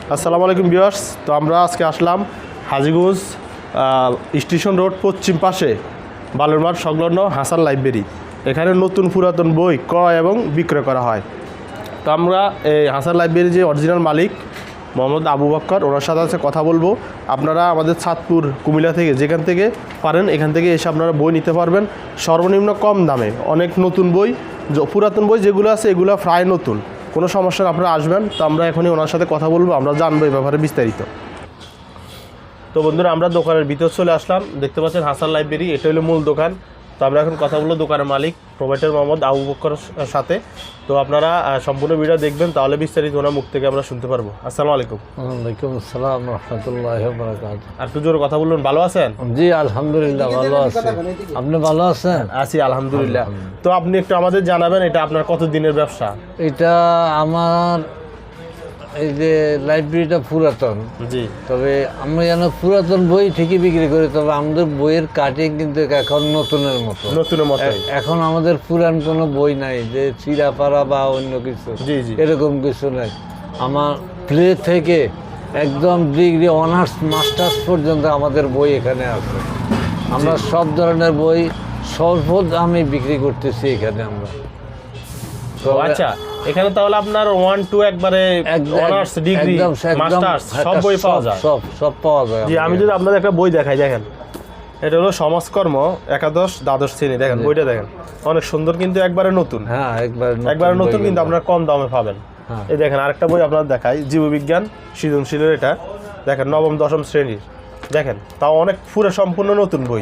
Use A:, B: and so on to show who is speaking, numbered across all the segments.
A: আসসালামু আলাইকুম ভিউয়ার্স। তো আমরা আজকে আসলাম হাজীগঞ্জ স্টেশন রোড পশ্চিম পাশে বালুরমাঠ সংলগ্ন হাসান লাইব্রেরি। এখানে নতুন পুরাতন বই ক্রয় এবং বিক্রয় করা হয়। তো আমরা এই হাসান লাইব্রেরির যে অরিজিনাল মালিক মোহাম্মদ আবু বক্কর, ওনার সাথে কথা বলবো। আপনারা আমাদের চাঁদপুর কুমিল্লা থেকে যেখান থেকে পারেন এখান থেকে এসে আপনারা বই নিতে পারবেন সর্বনিম্ন কম দামে। অনেক নতুন বই, পুরাতন বই যেগুলো আছে এগুলো প্রায় নতুন, কোনো সমস্যা না, আপনারা আসবেন। তো আমরা এখনই ওনার সাথে কথা বলবো, আমরা জানবো এই ব্যাপারে বিস্তারিত। তো বন্ধুরা, আমরা দোকানের ভিতর চলে আসলাম। দেখতে পাচ্ছেন হাসান লাইব্রেরি, এটা হলো মূল দোকান। তো আমরা এখন কথা বলবো দোকানের মালিক প্রোভাইডার মোহাম্মদ আবু বক্করের সাথে। তো আপনারা সম্পূর্ণ ভিডিও দেখবেন, তাহলে বিস্তারিত ওনার মুখ থেকে আমরা শুনতে পারবো। আসসালামু আলাইকুম।
B: ওয়ালাইকুম আসসালাম রহমতুল্লাহি ওয়া বারাকাতুহু।
A: আর একটু জোরে কথা বলুন। ভালো আছেন?
B: জি আলহামদুলিল্লাহ ভালো আছি। আপনি ভালো আছেন?
A: আছি আলহামদুলিল্লাহ। তো আপনি একটু আমাদের জানাবেন, এটা আপনার কত দিনের ব্যবসা?
B: এটা আমার এই যে লাইব্রেরিটা পুরাতন,
A: জি,
B: তবে আমরা যেন পুরাতন বই ঠিকই বিক্রি করি, তবে আমাদের বইয়ের কাটিং কিন্তু এখন নতুনের মতো।
A: নতুনের মতো।
B: এখন আমাদের পুরান কোনো বই নাই যে চিরাপাড়া বা অন্য কিছু,
A: জি জি,
B: এরকম কিছু নাই। আমার প্লে থেকে একদম ডিগ্রি অনার্স মাস্টার্স পর্যন্ত আমাদের বই এখানে আছে। আমরা সব ধরনের বই স্বল্প দামে বিক্রি করতেছি এখানে আমরা।
A: তো আচ্ছা, এখানে তাহলে আপনার 1 2 একবারে অনার্স ডিগ্রি মাস্টার্স সব বই পাওয়া যায়?
B: সব পাওয়া যায়।
A: জি, আমি যদি আপনাদের একটা বই দেখাই, দেখেন এটা হলো সমাজকর্ম একাদশ দ্বাদশ শ্রেণী। দেখেন বইটা দেখেন, অনেক সুন্দর, কিন্তু একবারে নতুন।
B: হ্যাঁ,
A: একবারে নতুন, কিন্তু আপনার কম দামে পাবেন। এই দেখেন আরেকটা বই আপনার দেখাই, জীববিজ্ঞান সৃজনশীলের। এটা দেখেন নবম দশম শ্রেণীর, দেখেন তাও অনেক পুরো সম্পূর্ণ নতুন বই।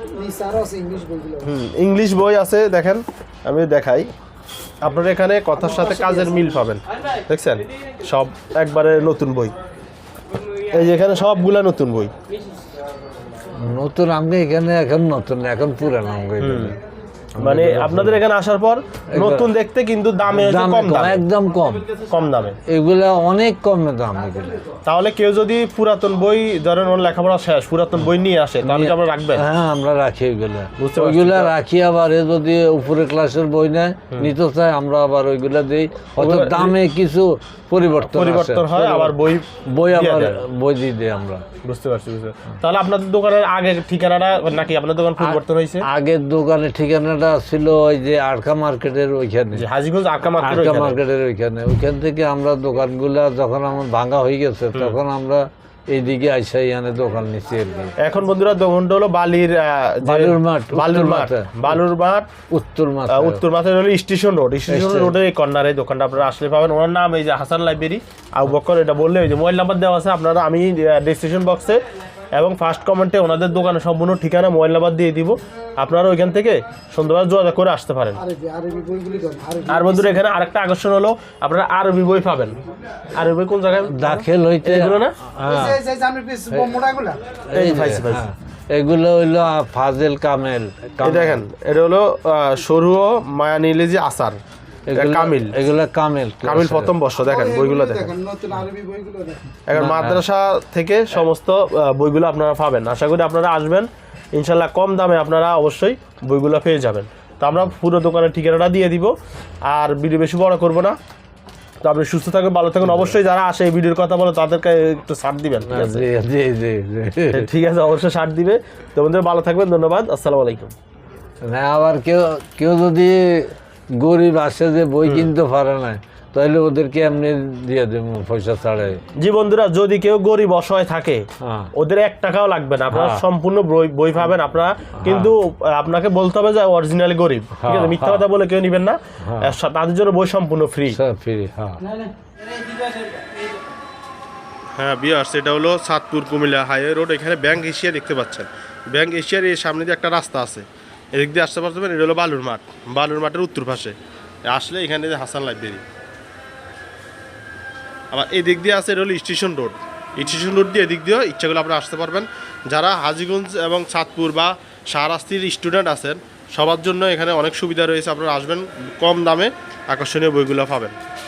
A: ইংলিশ বই আছে, দেখেন আমি দেখাই। আপনার এখানে কথার সাথে কাজের মিল পাবেন, দেখছেন সব একবারে নতুন বই। এই যে এখানে সবগুলা নতুন বই।
B: নতুন আমি এখানে এখন নতুন, এখন পুরানো।
A: মানে আপনাদের এখানে আসার পর নতুন দেখতে, কিন্তু দামে কম,
B: একদম কম
A: দামে।
B: এগুলা অনেক কম দাম এগুলো।
A: তাহলে কেউ যদি পুরাতন বই, ধরেন ওর লেখাপড়া শেষ, পুরাতন বই নিয়ে আসে, তাহলে কি আপনারা রাখবেন?
B: হ্যাঁ, আমরা রাখি ওইগুলা রাখি। আবার যদি উপরে ক্লাসের বই নেয় নিতে চায়, আমরা আবার ওইগুলা দিই। হয়তো দামে কিছু পরিবর্তন
A: হয়, আবার বই
B: দিয়ে দিই আমরা।
A: বুঝতে পারছি। তাহলে আপনাদের দোকানের আগের ঠিকানাটা নাকি আপনার দোকান পরিবর্তন হয়েছে?
B: আগের দোকানের ঠিকানাটা ছিল ওই যে আরকা মার্কেটের ওইখানে,
A: হাজীগঞ্জ আরকা
B: মার্কেটের ওইখান থেকে আমরা দোকানগুলা যখন আমার ভাঙা হয়ে গেছে, তখন আমরা এইদিকে আইসা এখানে দোকান নিচ্ছি আর কি।
A: এখন বন্ধুরা দোকানটা হলো বালুরমাঠ উত্তর মাঠের হলো স্টেশন রোডের এই কর্নারে দোকানটা আপনারা আসলে পাবেন। ওনার নাম এই যে হাসান লাইব্রেরি, আবু বক্কর। এটা বললে ওই যে মোবাইল নাম্বার দেওয়া আছে, আপনারা আমি ডেসক্রিপশন বক্সে এবং ফার্স্ট কমেন্টে ওনাদের দোকানের সম্পূর্ণ ঠিকানা, মোবাইল নাম্বার দিয়ে দিব। আপনারা ওইখান থেকে সুন্দরভাবে যোগাযোগ করে আসতে পারেন। আর বন্ধুরা, এখানে আরেকটা আকর্ষণ হলো আপনারা আরবি বই পাবেন। আরবি বই কোন জায়গায় দাখিল হইতে এগুলো না,
B: এগুলো হইলো ফাজেল কামেল।
A: দেখেন এটা হলো সরু মায়ানিলে যে আসার কামিল, এগুলো কামিল প্রথম বর্ষ। দেখেন বইগুলো দেখেন, এখন মাদ্রাসা থেকে সমস্ত বইগুলো আপনারা পাবেন। আশা করি আপনারা আসবেন, ইনশাল্লাহ কম দামে আপনারা অবশ্যই বইগুলো পেয়ে যাবেন। তো আমরা পুরো দোকানের ঠিকানাটা দিয়ে দিব, আর ভিডিও বেশি বড় করব না। তো আপনি সুস্থ থাকবেন, ভালো থাকুন। অবশ্যই যারা আসে এই ভিডিওর কথা বলে তাদেরকে একটু ছাড় দিবেন, ঠিক আছে? অবশ্যই ছাড় দিবে। তো বন্ধুরা ভালো থাকবেন, ধন্যবাদ, আসসালামু আলাইকুম।
B: না, আবার কেউ যদি গরিব আসে যে বই কিনতে পারে না, তাহলে ওদেরকে এমনি দিয়ে দেবো পয়সা ছাড়াই।
A: জি বন্ধুরা, যদি কেউ গরিব অসহায় থাকে, ওদের 1 টাকাও লাগবে না, আপনারা সম্পূর্ণ বই পাবেন। আপনারা কিন্তু আপনাকে বলতে হবে যে অরিজিনালি গরিব, ঠিক আছে? মিথ্যা কথা বলে কেউ নিবেন না, তাদের জন্য বই সম্পূর্ণ ফ্রি। হ্যাঁ ভিউয়ার্স, এটা হলো চাঁদপুর কুমিল্লা হাইওয়ে রোড। এখানে ব্যাংক এশিয়া দেখতে পাচ্ছেন। ব্যাংক এশিয়ার এই সামনে দিয়ে একটা রাস্তা আছে, এদিক দিয়ে আসতে পারবেন। এটা হলো বালুরমাঠের উত্তর পাশে আসলে এখানে যে হাসান লাইব্রেরি। আবার এই দিক দিয়ে আছে এটা হলো স্টেশন রোড দিয়ে এদিক দিয়েও ইচ্ছা করলে আপনারা আসতে পারবেন। যারা হাজীগঞ্জ এবং চাঁদপুর বা শাহরাস্তির স্টুডেন্ট আছেন, সবার জন্য এখানে অনেক সুবিধা রয়েছে। আপনারা আসবেন, কম দামে আকর্ষণীয় বইগুলো পাবেন।